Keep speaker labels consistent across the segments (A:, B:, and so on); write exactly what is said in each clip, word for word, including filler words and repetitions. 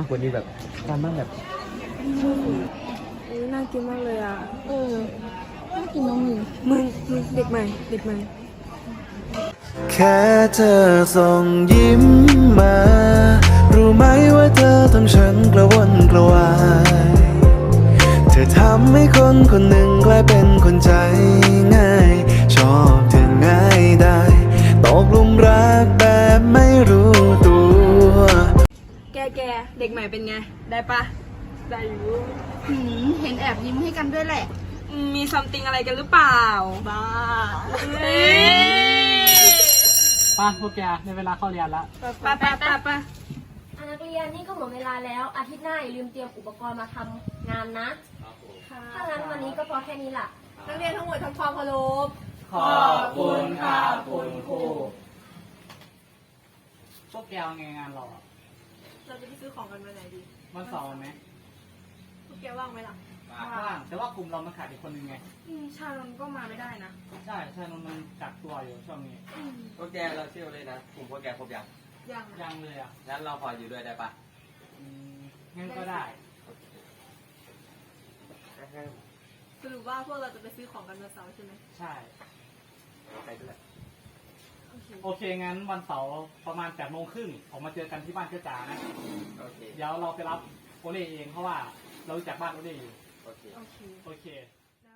A: ากกว่านี้แบบทำมันแบบ
B: น่ากินมากเลยอ่ะ
C: เออน่ากินน้องมึง
B: มึงมึงเด็กใหม่เด็กใหม่
D: แค่เธอส่งยิ้มมา รู้ไหมว่าเธอทำฉันกระวนกระวายเธอทำให้คนคนหนึ่งกลายเป็นคนใจง่าย ชอบเธอง่ายได้ตกหลุมรักแบบไม่รู้ตัว
B: แกแกเด็กใหม่เป็นไงได้ปะได้อยู่
C: หืมเห็นแอบยิ้มให้กันด้วยแหละ
B: มีซัมติงอะไรกันหรือเปล่าบ้าเฮ้ย
A: ป้าพวกแกในเวลาเข้าเรียนละ
B: ไปไปไปไป
E: นักเรียนนี่ก็หมดเวลาแล้ว อาทิตย์หน้าอย่าลืมเตรียมอุปกรณ์มาทำงานนะถ้างั้นวันนี้ก็พอแค่นี้ล่ะ
B: นักเรียนทั้งหมดทำความเคารพ
A: ขอบคุณค่ะคุณครูพวกแกเอาไงงานเราอะ
B: เราจะไปซื้อของกันวันไหนดี
A: วันเสาร์ไหม
B: พวกแกว่างไหมล่ะ
A: ว่างแต่ว่ากลุ่มเรามันขาดอีกคนนึงไง
B: อืมชาลนก็มาไม่ได้นะ
A: ใช่ใช่นนท์มันกักตัวอยู่ช่วงนี้
F: พวกแกเราเชื่อเลยนะกลุ่มพวกแกครบยัง
B: ยังอะ
A: ยังเลยอ่ะ
F: งั้นเราพออยู่ด้วยได้ปะ
A: อืมงั้นก็ได้
B: สรุปว่าพวกเราจะไปซื้อของกันวันเสาร์ใช่ไหม
A: ใช่
F: ไปด้วย
B: โอเค
A: โอเคงั้นวันเสาร์ประมาณแปดโมงครึ่งออกมาเจอกันที่บ้านเจ้าจ๋านะ
F: โอเค
A: เดี๋ยวเราไปรับโอเล่เองเพราะว่าเรารู้จักบ้านโอเล่อยู่
F: โอเค
B: โอเค
A: โอเค
B: แล้ว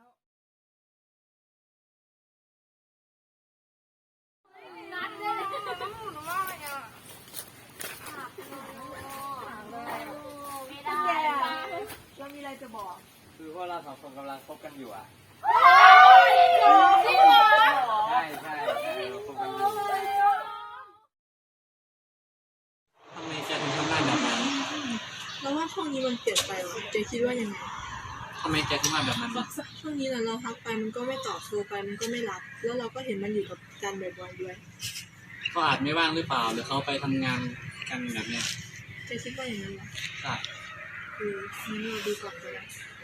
E: ไม่ได้
B: แกเรามีอะไรจะบอก
F: คือพวกเราสองคนกำลังคบกันอยู่อ่ะ
E: จริงเหรอ
F: ใช่ใช่ใช่เราคบกันอยู่
A: ทำไมแกถึงทำหน้าแบบนั้น
G: เราว่าช่วงนี้มันเปลี่ยนไปว่ะเจ๊คิดว่ายังไง
A: ทำไมแกถึงมาแบบนั้น
G: ช่วงนี้น่ะเราทักไปมันก็ไม่ตอบโทรไปมันก็ไม่รับ แล้วเราก็เห็นมันอยู่กับกันบ่อยๆด้วย
A: เขาอาจไม่ว่างหรือเปล่าหรือเขาไปทำงานกันแบบเนี้ย
G: เจ๊คิดว่าอย่างนั้นเหรอ
A: ใช่
G: เอองั้นเราดูก่อนก็ได้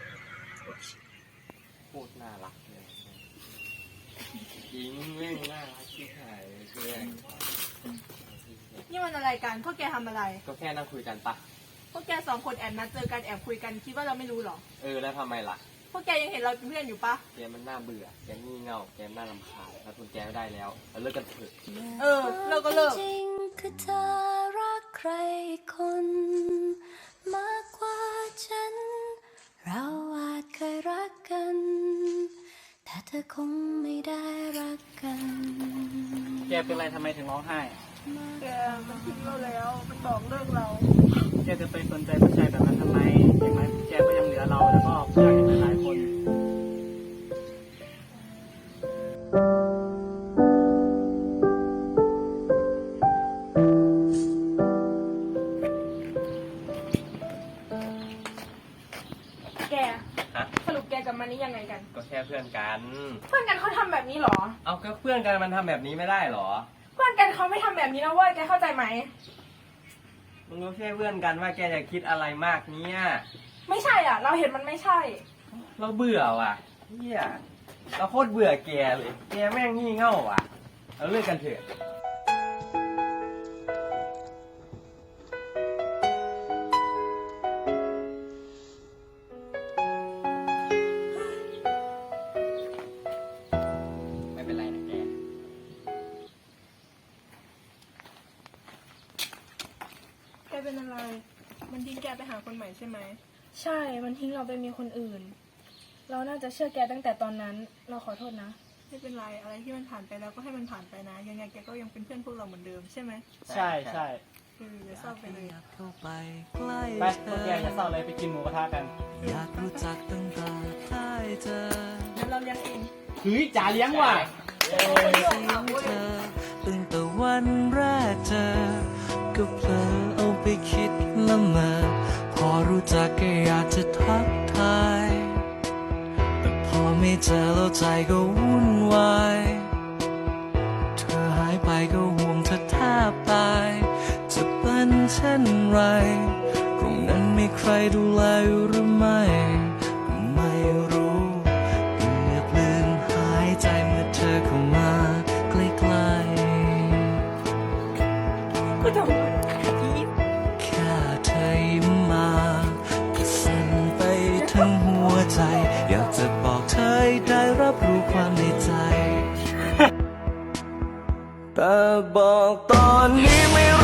F: พูดน่ารักเลยยิงเร่งน่ารักที่หายเพื่อน
B: นี่มันอะไรกัน พวกแกทำอะไร
F: ก็แค่นั่งคุยกันปะ
B: พวกแกสองคนแอบนัดเจอกันแอบคุยกันคิดว่าเราไม่รู้หรอ
F: เออแล้วทำไมล่ะ
B: พวกแกยังเห็นเราเป็นเพื่อนอยู่ปะ
F: แกมันน่าเบื่อ แกงี่เง่า แกน่ารำคาญถ้าคุณแกไม่ได้แล้วเราเลิกกันเถอะ
B: เออเลิกก็เลิก
H: จริงคือเธอรักใครคน มากกว่าฉัน เราอาจเคยรักกัน แต่เธอคงไม่ได้รักกัน
A: แกเป็นไรทำไมถึงร้องไห้
B: แกมันทิ้งเราแล้ว มันบอกเลิกเรา
A: แกจะไปสนใจผู้ชายแบบนั้นทำไมอย่างไรแกก็ยังเหลือเราแล้วก็ผู้ชายอีกหลายๆคน
B: แก
F: ฮะ
B: สรุปแกกับมันนี่ยังไงกัน
F: ก็แค่เพื่อนกัน
B: เพื่อนกันเขาทำแบบนี้เหรอ
F: เอาก็เพื่อนกันมันทำแบบนี้ไม่ได้หรอ
B: เพื่อนกันเขาไม่ทำแบบนี้นะเว้ย แกเข้าใจไหม
F: มึงก็แค่เพื่อนกันว่าแกจะคิดอะไรมากเนี่ย
B: ไม่ใช่อ่ะ เราเห็นมันไม่ใช่
F: เราเบื่อว่ะเฮียเราโคตรเบื่อแกเลย แกแม่งงี่เง่าว่ะ เราเลิกกันเถอะ ไม่เป็นไรนะแก
B: แกเป็นอะไร มันทิ้งแกไปหาคนใหม่ใช่ไหม ใช่ มันทิ้งเราไปมีคนอื่น เราน่าจะเชื่อแกตั้งแต่ตอนนั้น เราขอโทษนะ ไม่เป็นไร อะไรที่มันผ่านไปแล้วก็ให้มันผ่านไปนะ ยังไงแกก็ยังเป็นเพื่อนพวกเราเหมือนเดิมใช่ไหม
A: ใช่ใช่
B: เอออย่าเศร้าไปเลย
D: เข้าไปใกล้
A: ไปพวกแกอย่าเศร้าเลยไปกินหมูกระทะกัน
D: อยากรู้จักตั้งแต่ได้เจอ
B: เดี๋ยวเราเลี้ยงเอง
A: เฮ้ยจ่าเลี้ยงว่ะ
D: เธอตั้งแต่วันแรกเจอ ก็เพลอเอาไปคิดละเมอพอรู้จักก็อยากจะทักทาย แต่พอไม่เจอแล้วใจก็วุ่นวาย เธอหายไปก็ห่วงเธอแทบตาย จะเป็นเช่นไรตรงนั้นมีใครดูแลอยู่หรือไม่ ไม่รู้เกือบลืมหายใจเมื่อเธอเข้ามาใกล้ๆ
B: ก็ทำไม
D: แค่เธอยิ้มใจ อยากจะบอกเธอให้ได้รับรู้ความในใจ แต่บอกตอนนี้ไม่